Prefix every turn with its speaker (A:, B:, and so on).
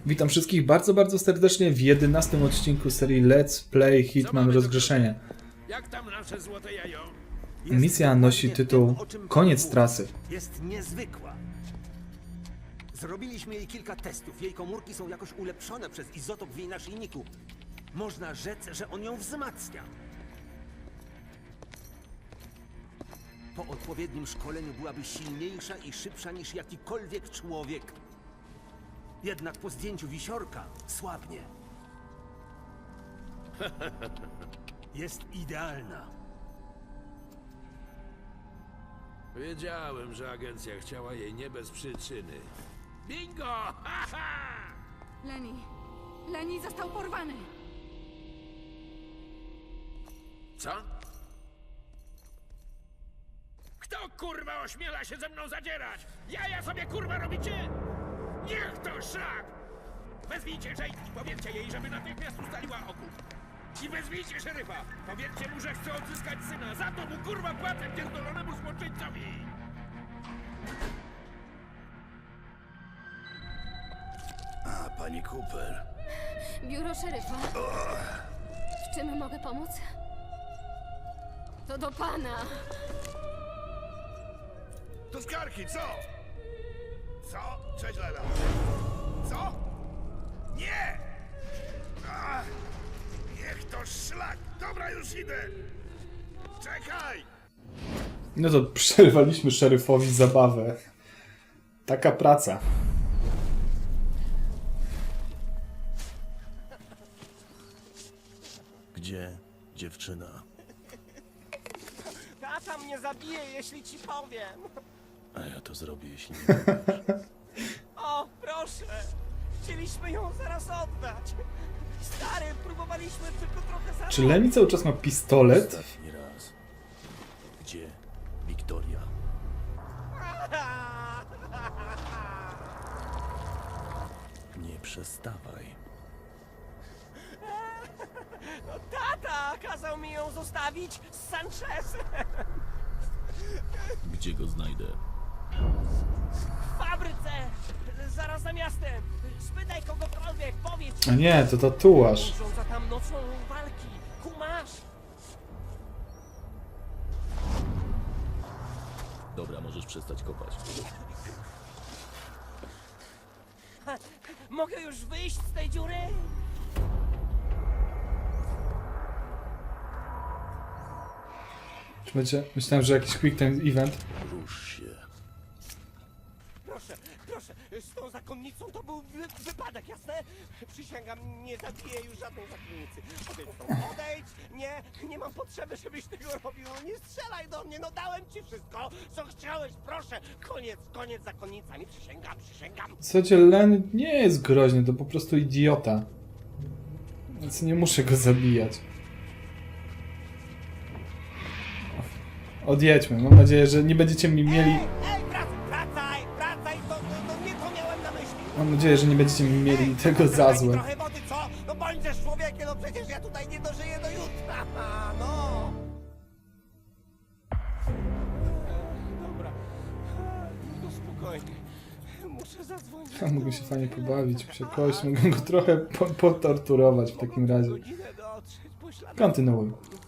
A: Witam wszystkich bardzo serdecznie w 11 odcinku serii Let's Play Hitman Rozgrzeszenie.
B: Jak tam nasze złote jajo?
A: Misja nosi tytuł Koniec trasy.
C: Jest niezwykła. Zrobiliśmy jej kilka testów. Jej komórki są jakoś ulepszone przez izotop w jej naszyjniku. Można rzec, że on ją wzmacnia. Po odpowiednim szkoleniu byłaby silniejsza i szybsza niż jakikolwiek człowiek. Jednak po zdjęciu wisiorka słabnie. Jest idealna.
B: Wiedziałem, że agencja chciała jej nie bez przyczyny. Bingo! Ha, ha!
D: Lenny został porwany.
B: Co? Kto kurwa ośmiela się ze mną zadzierać? Jaja sobie kurwa robicie? Niech to szlak! Wezwijcie Jade i powiedzcie jej, żeby natychmiast ustaliła okup. I wezwijcie szeryfa. Powiedzcie mu, że chce odzyskać syna. Za to mu kurwa płacę pierdolonemu złoczyńcowi.
E: A, pani Cooper.
D: Biuro szeryfa. W czym mogę pomóc? To do pana.
E: To skarki, co? Co? Cześć, Lela. Co? Nie! A, niech to szlak! Dobra, już idę! Czekaj!
A: No to przerwaliśmy szeryfowi zabawę. Taka praca.
E: Gdzie dziewczyna?
F: Tata mnie zabije, jeśli ci powiem.
E: A ja to zrobię, jeśli nie powiesz.
F: O, proszę. Chcieliśmy ją zaraz oddać. Stary, próbowaliśmy tylko trochę zarobić.
A: Czy Lenny cały czas ma pistolet?
E: Ostatni raz. Gdzie Wiktoria? Nie przestawaj.
F: No, tata kazał mi ją zostawić z Sanchezem.
E: Gdzie go znajdę?
F: W fabryce. Zaraz za miastem. Spytaj kogokolwiek, powiedz.
A: A nie, to tatuaż.
F: Urządza tam nocą walki. Kumasz?
E: Dobra, możesz przestać kopać.
F: Mogę już wyjść z tej dziury?
A: Czy będzie? Myślałem, że jakiś quick time event.
E: Rusz się.
F: Proszę, z tą zakonnicą to był wypadek, jasne? Przysięgam, nie zabiję już żadnej zakonnicy. Odejdź stąd, odejdź! Nie mam potrzeby, żebyś tego robił. Nie strzelaj do mnie, no dałem ci wszystko, co chciałeś, proszę. Koniec z zakonnicami, przysięgam.
A: W zasadzie Lenny nie jest groźny, to po prostu idiota. Więc nie muszę go zabijać. Odjedźmy. Mam nadzieję, że nie będziecie mi mieli...
F: Ej, wracaj, to nie to miałem na myśli.
A: Mam nadzieję, że nie będziecie mi mieli tego za
F: Daj mi
A: złe.
F: trochę wody, co? No bądźesz człowiekiem, no przecież ja tutaj nie dożyję do jutra, no. Dobra, no spokojnie, muszę zadzwonić.
A: Mogę się fajnie pobawić, przekość, mogę go trochę potorturować w takim razie.
F: Godzinę dotrzeć, pośladek.
A: Kontynuuj.